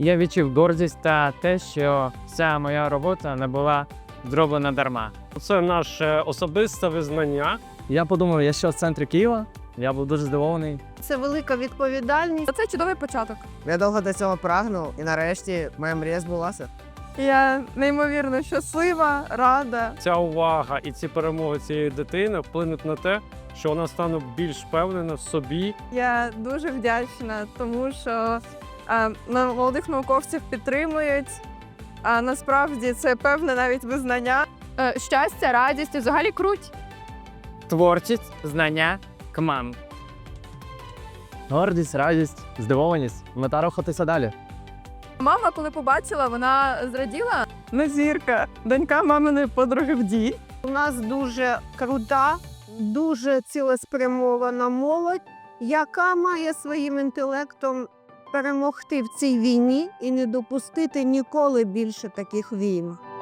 Я відчув гордість та те, що ця моя робота не була зроблена дарма. Це наше особисте визнання. Я подумав, я ще в центрі Києва. Я був дуже здивований. Це велика відповідальність. Це чудовий початок. Я довго до цього прагнув, і нарешті моя мрія збулася. Я неймовірно щаслива, рада. Ця увага і ці перемоги цієї дитини вплинуть на те, що вона стане більш впевнена в собі. Я дуже вдячна, тому що молодих науковців підтримують. А насправді це певне навіть визнання. Щастя, радість і взагалі круть. Творчість, знання, КМАМ. Гордість, радість, здивованість. Мета рухатися далі. Мама, коли побачила, вона зраділа. Назірка, донька маминої подруги в ДІ. У нас дуже крута, дуже цілеспрямована молодь, яка має своїм інтелектом перемогти в цій війні і не допустити ніколи більше таких війн.